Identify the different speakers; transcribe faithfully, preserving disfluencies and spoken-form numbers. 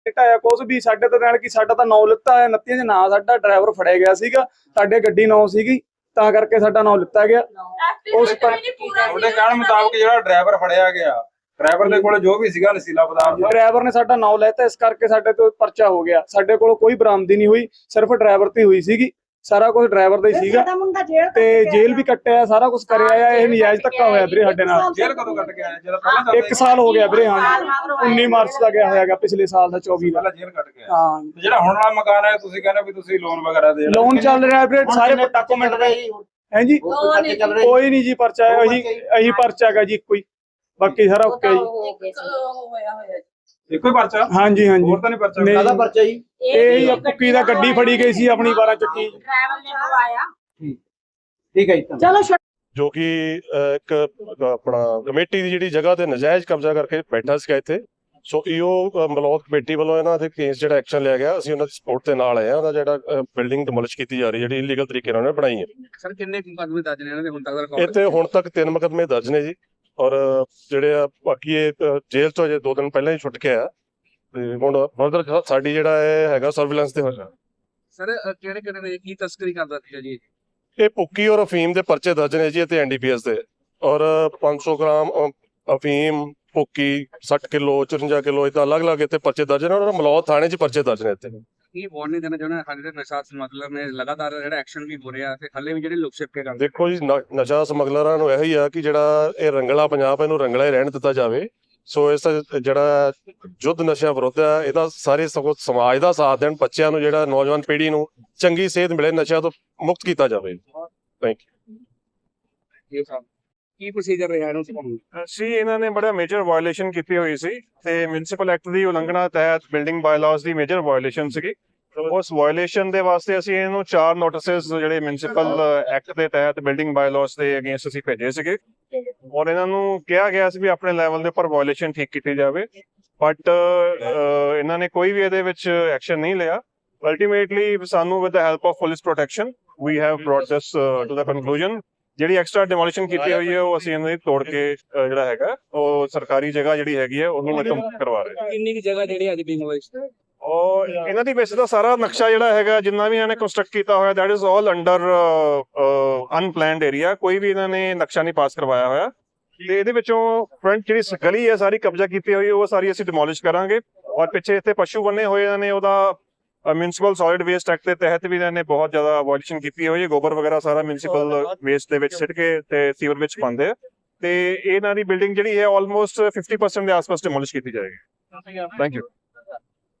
Speaker 1: ਢਾਇਆ ਕੁਛ ਵੀ ਸਾਡੇ ਤਾਂ ਨਾਲ ਕਿ ਸਾਡਾ ਤਾਂ ਨਾਂ ਲਿੱਤਾ ਹੋਇਆ ਉਨੱਤੀ ਚ ਨਾਂ ਸਾਡਾ ਡਰਾਈਵਰ ਫੜਿਆ ਗਿਆ ਸੀਗਾ ਸਾਡੇ ਗੱਡੀ ਨਾਂ ਸੀਗੀ ਤਾਂ ਕਰਕੇ ਸਾਡਾ ਨਾਂ ਲਿੱਤਾ ਗਿਆ। ਉਸ
Speaker 2: ਤੁਹਾਡੇ ਕਹਿਣ ਮੁਤਾਬਕ ਜਿਹੜਾ ਡਰਾਈਵਰ ਫੜਿਆ ਗਿਆ ਡਰਾਈਵਰ ਦੇ ਕੋਲ ਜੋ ਵੀ ਸੀਗਾ ਨਸ਼ੀਲਾ ਪਦਾਰਥ
Speaker 1: ਡਰਾਈਵਰ ਨੇ ਸਾਡਾ ਨਾਂ ਲੈਤਾ ਇਸ ਕਰਕੇ ਸਾਡੇ ਤੋਂ ਪਰਚਾ ਹੋ ਗਿਆ। ਸਾਡੇ ਕੋਲ ਕੋਈ ਬਰਾਮਦੀ ਨਹੀਂ ਹੋਈ ਸਿਰਫ ਡਰਾਈਵਰ ਤੇ ਹੋਈ ਸੀਗੀ ਸਾਰਾ ਕੁਝ ਡਰਾਈਵਰ ਦਾ ਹੀ ਸੀਗਾ ਤੇ ਜੇਲ੍ਹ ਵੀ ਕੱਟਿਆ ਸਾਰਾ ਕੁਝ ਕਰਿਆ ਆ। ਇਹ ਨਜਾਇਜ਼ ਧੱਕਾ ਹੋਇਆ ਵੀਰੇ ਸਾਡੇ ਨਾਲ।
Speaker 2: ਜੇਲ੍ਹ ਕਦੋਂ ਕੱਟ ਕੇ ਆਇਆ ਜਦੋਂ ਪਹਿਲਾਂ
Speaker 1: ਇੱਕ ਸਾਲ ਹੋ ਗਿਆ ਵੀਰੇ। ਹਾਂ ਉੱਨੀ ਮਾਰਚ ਦਾ ਗਿਆ ਹੋਇਆਗਾ ਪਿਛਲੇ ਸਾਲ ਦਾ ਚੌਵੀ ਦਾ
Speaker 2: ਪਹਿਲਾਂ ਜੇਲ੍ਹ ਕੱਟ ਕੇ ਆਇਆ।
Speaker 1: ਹਾਂ
Speaker 2: ਜਿਹੜਾ ਹੁਣ ਵਾਲਾ ਮਕਾਨ ਹੈ ਤੁਸੀਂ ਕਹਿੰਦੇ ਵੀ ਤੁਸੀਂ ਲੋਨ ਵਗੈਰਾ ਦੇ
Speaker 1: ਲੋਨ ਚੱਲ ਰਿਹਾ ਵੀਰੇ ਸਾਰੇ ਡਾਕੂਮੈਂਟ ਹੈ ਜੀ ਕੋਈ ਨਹੀਂ ਜੀ ਪਰਚਾ ਇਹੀ ਇਹੀ ਪਰਚਾ ਹੈਗਾ ਜੀ ਇੱਕੋ ਹੀ ਬਾਕੀ ਸਾਰਾ ਓਕੇ ਜੀ।
Speaker 2: ਇੱਕੋ ਹੀ ਪਰਚਾ
Speaker 1: ਹਾਂਜੀ ਹਾਂਜੀ
Speaker 2: ਹੋਰ ਤਾਂ ਨਹੀਂ ਪਰਚਾ
Speaker 1: ਕਾਹਦਾ
Speaker 3: ਪਰਚਾ ਜੀ
Speaker 1: ਇਹ ਹੀ ਕੁੱਕੀ ਦਾ ਗੱਡੀ ਫੜੀ ਗਈ ਸੀ ਆਪਣੀ ਬਾਰਾਂ ਚੱਕੀ
Speaker 4: ਡਰਾਈਵਰ ਨੇ ਪਵਾਇਆ
Speaker 3: ਠੀਕ ਹੈ ਜੀ
Speaker 4: ਚਲੋ
Speaker 5: ਜੋ ਕਿ ਇੱਕ ਆਪਣਾ ਕਮੇਟੀ ਦੀ ਜਿਹੜੀ ਜਗ੍ਹਾ ਤੇ ਨਜਾਇਜ਼ ਕਬਜ਼ਾ ਕਰਕੇ ਬੈਠਾ ਸੀਗਾ ਇੱਥੇ। ਸੋ ਈਓ ਮਲੌਦ ਕਮੇਟੀ ਵੱਲੋਂ ਇਹਨਾਂ ਤੇ ਕੇਸ ਜਿਹੜਾ ਐਕਸ਼ਨ ਲਿਆ ਗਿਆ ਅਸੀਂ ਉਹਨਾਂ ਦੀ ਸਪੋਰਟ ਦੇ ਨਾਲ ਆਏ ਆ। ਉਹਦਾ ਜਿਹੜਾ ਬਿਲਡਿੰਗ ਡਿਮੋਲਿਸ਼ ਕੀਤੀ ਜਾ ਰਹੀ ਜਿਹੜੀ ਇਲੀਗਲ ਤਰੀਕੇ ਨਾਲ ਉਹਨੇ ਬਣਾਈ ਹੈ।
Speaker 6: ਸਰ ਕਿੰਨੇ ਮੁਕੱਦਮੇ ਦਰਜ ਨੇ ਇਹਨਾਂ ਦੇ ਹੁਣ ਤੱਕ ਦਾ ਰਿਕਾਰਡ?
Speaker 5: ਇੱਥੇ ਹੁਣ ਤੱਕ ਤਿੰਨ ਮੁਕੱਦਮੇ ਦਰਜ ਨੇ ਜੀ ਔਰ ਜਿਹੜੇ ਆ ਬਾਕੀ ਇਹ ਜੇਲ੍ਹ ਤੋਂ ਅਜੇ ਦੋ ਦਿਨ ਪਹਿਲਾਂ ਹੀ ਛੁੱਟ ਕੇ ਆਇਆ ਤੇ ਹੁਣ ਫਰਦਰ ਸਾਡੀ ਜਿਹੜਾ ਇਹ ਹੈਗਾ ਸਰਵੇਲੈਂਸ ਤੇ ਹੋਇਆ।
Speaker 6: ਸਰ ਕਿਹੜੇ ਕਿਹੜੇ ਨੇ ਕੀ ਤਸਕਰੀ ਕਰਦਾ ਸੀ ਜੀ?
Speaker 5: ਇਹ ਭੁੱਕੀ ਔਰ ਅਫੀਮ ਦੇ ਪਰਚੇ ਦਰਜ ਨੇ ਜੀ ਤੇ ਐਨਡੀਪੀਐਸ ਦੇ ਔਰ ਪੰਜ ਸੌ ਗ੍ਰਾਮ ਅਫੀਮ ਭੁੱਕੀ ਸੱਠ ਕਿਲੋ ਚੁਰੰਜਾ ਕਿਲੋ ਇਹ ਤਾਂ ਅਲੱਗ-ਅਲੱਗ ਇੱਥੇ ਪਰਚੇ ਦਰਜ ਨੇ ਔਰ ਮਲੌਦ ਥਾਣੇ 'ਚ ਪਰਚੇ ਦਰਜ ਨੇ ਇੱਥੇ।
Speaker 6: ਕੀ ਵਾਰਨਿੰਗ ਦੇਣਾ ਚਾਹੁੰਦਾ ਸਾਡੇ ਦੇ ਨਸ਼ਾ ਸਮਗਲਰ ਨੇ ਲਗਾਤਾਰ ਜਿਹੜਾ ਐਕਸ਼ਨ ਵੀ ਹੋ ਰਿਹਾ ਤੇ ਹੱਲੇ ਵੀ ਜਿਹੜੇ ਲੋਕ ਛਿਪਕੇ ਕਰਦੇ?
Speaker 5: ਦੇਖੋ ਜੀ ਨਸ਼ਾ ਸਮਗਲਰਾਂ ਨੂੰ ਇਹੀ ਆ ਕਿ ਜਿਹੜਾ ਇਹ ਰੰਗਲਾ ਪੰਜਾਬ ਇਹਨੂੰ ਰੰਗਲਾ ਹੀ ਰਹਿਣ ਦਿੱਤਾ ਜਾਵੇ। ਸੋ ਇਸ ਜਿਹੜਾ ਯੁੱਧ ਨਸ਼ਿਆਂ ਵਿਰੁੱਧ ਆ ਇਹਦਾ ਸਾਰੇ ਸਗੋਂ ਸਮਾਜ ਦਾ ਸਾਥ ਦੇਣ ਬੱਚਿਆਂ ਨੂੰ ਜਿਹੜਾ ਨੌਜਵਾਨ ਪੀੜ੍ਹੀ ਨੂੰ ਚੰਗੀ ਸਿਹਤ ਮਿਲੇ ਨਸ਼ਿਆਂ ਤੋਂ ਮੁਕਤ ਕੀਤਾ ਜਾਵੇ। ਥੈਂਕ
Speaker 6: ਯੂ ਸਾਹਿਬ ਕੀ ਪ੍ਰੋਸੀਜਰ ਰਿਹਾ ਇਹਨੂੰ
Speaker 7: ਸੀ? ਇਹਨਾਂ ਨੇ ਬੜਾ ਮੇਜਰ ਵਾਇਓਲੇਸ਼ਨ ਕੀਤੀ ਹੋਈ ਸੀ ਤੇ ਮਿਊਨਿਸਪਲ ਐਕਟ ਦੀ ਉਲੰਘਣਾ ਤਹਿਤ ਬਿਲਡਿੰਗ ਬਾਇਲਾਜ਼ ਦੀ ਮੇਜਰ ਵਾਇਓਲੇਸ਼ਨ ਸੀਗੀ। ਉਸ ਵਾਇਓਲੇਸ਼ਨ ਦੇ ਵਾਸਤੇ ਅਸੀਂ ਇਹਨੂੰ ਚਾਰ ਨੋਟਿਸਸ ਜਿਹੜੇ ਮਿਊਨਿਸਪਲ ਐਕਟ ਦੇ ਤਹਿਤ ਬਿਲਡਿੰਗ ਬਾਇਲਾਜ਼ ਦੇ ਅਗੇਂਸਟ ਅਸੀਂ ਭੇਜੇ ਸੀਗੇ ਔਰ ਇਹਨਾਂ ਨੂੰ ਕਿਹਾ ਗਿਆ ਸੀ ਵੀ ਆਪਣੇ ਲੈਵਲ ਦੇ ਉੱਪਰ ਵਾਇਓਲੇਸ਼ਨ ਠੀਕ ਕੀਤੀ ਜਾਵੇ ਬਟ ਇਹਨਾਂ ਨੇ ਕੋਈ ਵੀ ਇਹਦੇ ਵਿੱਚ ਐਕਸ਼ਨ ਨਹੀਂ ਲਿਆ। ਅਲਟੀਮੇਟਲੀ ਸਾਨੂੰ with the help of police protection we have brought this to the conclusion. ਜਿਹੜੀ ਐਕਸਟਰਾ ਡਿਮੋਲਿਸ਼ਨ ਕੀਤੀ ਹੋਈ ਹੈ ਉਹ ਅਸੀਂ ਇਹਨਾਂ ਦੀ ਤੋੜ ਕੇ ਜਿਹੜਾ ਹੈਗਾ ਉਹ ਸਰਕਾਰੀ ਜਗ੍ਹਾ ਜਿਹੜੀ ਹੈਗੀ ਹੈ ਉਹਨੂੰ ਖਤਮ ਕਰਵਾ ਰਹੇ।
Speaker 6: ਕਿੰਨੀ ਕੀ ਜਗ੍ਹਾ ਜਿਹੜੀ ਅੱਜ ਡਿਮੋਲਿਸ਼
Speaker 7: ਔਰ ਇਹਨਾਂ ਦੀ ਵੈਸੇ ਦਾ ਸਾਰਾ ਨਕਸ਼ਾ ਜਿਹੜਾ ਹੈਗਾ ਜਿੰਨਾ ਵੀ ਇਹਨਾਂ ਨੇ ਕੰਸਟਰਕਟ ਕੀਤਾ ਹੋਇਆ that is all under unplanned area. ਕੋਈ ਵੀ ਇਹਨਾਂ ਨੇ ਨਕਸ਼ਾ ਨਹੀਂ ਪਾਸ ਕਰਵਾਇਆ ਹੋਇਆ ਤੇ ਇਹਦੇ ਵਿੱਚੋਂ ਫਰੰਟ ਜਿਹੜੀ ਗਲੀ ਹੈ ਸਾਰੀ ਕਬਜ਼ਾ ਕੀਤੀ ਹੋਈ ਉਹ ਸਾਰੀ ਅਸੀਂ ਡਿਮੋਲਿਸ਼ ਕਰਾਂਗੇ ਔਰ ਪਿੱਛੇ ਇੱਥੇ ਪਸ਼ੂ ਬੰਨੇ ਹੋਏ ਇਹਨਾਂ ਨੇ ਉਹਦਾ ਮਿਊਨਿਸਪਲ ਸੋਲਿਡ ਵੇਸਟ ਐਕਟ ਦੇ ਤਹਿਤ ਵੀ ਇਹਨਾਂ ਨੇ ਬਹੁਤ ਜ਼ਿਆਦਾ ਵਾਇਓਲੇਸ਼ਨ ਕੀਤੀ ਹੋਈ ਹੈ। ਗੋਬਰ ਵਗੈਰਾ ਸਾਰਾ ਮਿਊਨਿਸਪਲ ਵੇਸਟ ਦੇ ਵਿੱਚ ਸਿੱਟ ਕੇ ਤੇ ਸੀਵਰ ਵਿੱਚ ਪਾਉਂਦੇ ਆ ਤੇ ਇਹਨਾਂ ਦੀ ਬਿਲਡਿੰਗ ਜਿਹੜੀ ਹੈ ਆਲਮੋਸਟ ਫਿਫਟੀ ਪਰਸੈਂਟ ਦੇ ਆਸ-ਪਾਸ ਡਿਮੋਲਿਸ਼ ਕੀਤੀ ਜਾਏਗੀ। Thank you.